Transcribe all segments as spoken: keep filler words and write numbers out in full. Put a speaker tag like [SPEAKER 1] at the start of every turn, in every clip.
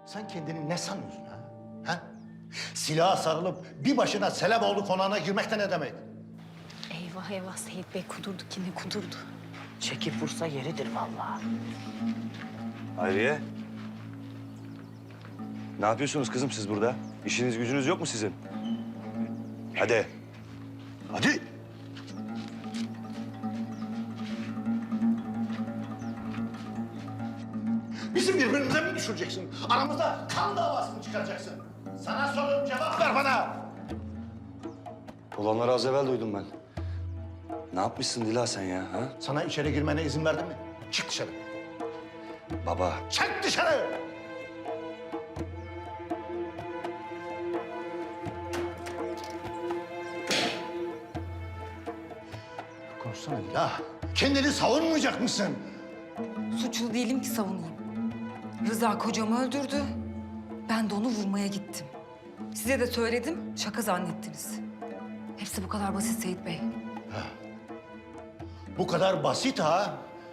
[SPEAKER 1] Sen kendini ne sanıyorsun ha? Ha? Silaha sarılıp bir başına Seleboğlu konağına girmek de ne demek?
[SPEAKER 2] Eyvah eyvah Seyit Bey kudurdu ki ne kudurdu.
[SPEAKER 3] Çekip vursa yeridir vallahi.
[SPEAKER 4] Hayriye. Ne yapıyorsunuz kızım siz burada? İşiniz gücünüz yok mu sizin? Hadi. Hadi.
[SPEAKER 1] Bizi birbirimize mi düşüreceksin? Aramızda kan davası mı çıkaracaksın? Sana soruyorum, cevap ver bana.
[SPEAKER 4] Olanları az evvel duydum ben. Ne yapmışsın Dila sen ya? Ha?
[SPEAKER 1] Sana içeri girmene izin verdim mi? Çık dışarı.
[SPEAKER 4] Baba.
[SPEAKER 1] Çık dışarı! Konuşsana Dila. Kendini savunmayacak mısın?
[SPEAKER 5] Suçlu değilim ki savunayım. Rıza kocamı öldürdü. Ben de onu vurmaya gittim. Size de söyledim, şaka zannettiniz. Hepsi bu kadar basit Seyit Bey.
[SPEAKER 1] Bu kadar basit ha?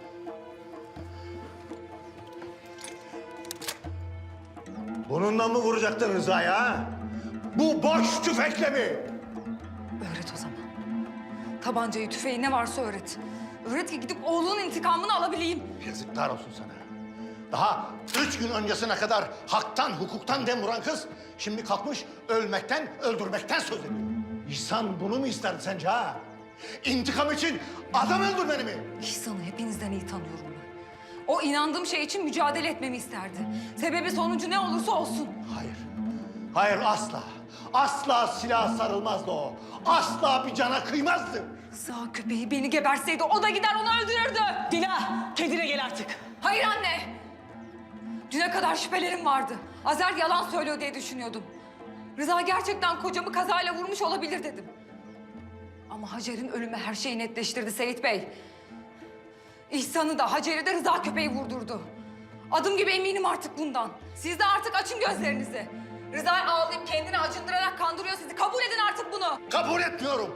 [SPEAKER 1] Bununla mı vuracaktın Rıza'ya ha? Bu boş tüfekle mi?
[SPEAKER 5] Öğret o zaman. Tabancayı, tüfeği ne varsa öğret. Öğret ki gidip oğlunun intikamını alabileyim.
[SPEAKER 1] Yazıklar olsun sana. Daha üç gün öncesine kadar haktan, hukuktan dem vuran kız... ...şimdi kalkmış ölmekten, öldürmekten söz ediyor. İhsan bunu mu isterdi sence ha? İntikam için adam öldürmeni mi?
[SPEAKER 5] İhsan'ı hepinizden iyi tanıyorum ben. O inandığım şey için mücadele etmemi isterdi. Sebebi sonucu ne olursa olsun.
[SPEAKER 1] Hayır. Hayır asla. Asla silaha sarılmazdı o. Asla bir cana kıymazdı.
[SPEAKER 5] Rıza köpeği beni geberseydi o da gider onu öldürürdü.
[SPEAKER 3] Dila kendine gel artık.
[SPEAKER 5] Hayır anne. Düne kadar şüphelerim vardı. Azer yalan söylüyor diye düşünüyordum. Rıza gerçekten kocamı kazayla vurmuş olabilir dedim. Ama Hacer'in ölümü her şeyi netleştirdi Seyit Bey. İhsan'ı da Hacer'i de Rıza köpeği vurdurdu. Adım gibi eminim artık bundan. Siz de artık açın gözlerinizi. Rıza ağlayıp kendini acındırarak kandırıyor sizi. Kabul edin artık bunu.
[SPEAKER 1] Kabul etmiyorum.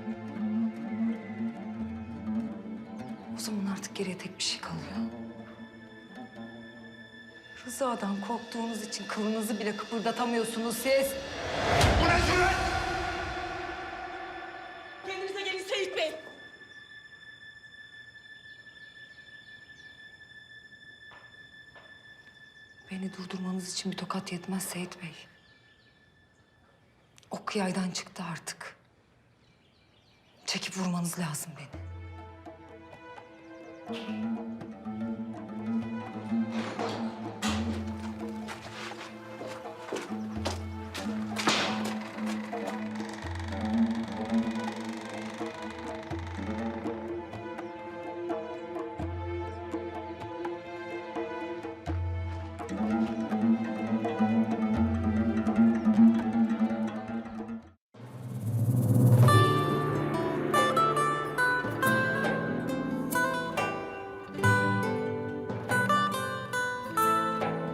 [SPEAKER 5] O zaman artık geriye tek bir şey kalıyor. Rıza'dan korktuğunuz için kılınızı bile kıpırdatamıyorsunuz siz.
[SPEAKER 1] Bu ne cüret?
[SPEAKER 3] Kendinize gelin Seyit Bey.
[SPEAKER 5] Beni durdurmanız için bir tokat yetmez Seyit Bey. Ok yaydan çıktı artık. Çekip vurmanız lazım beni.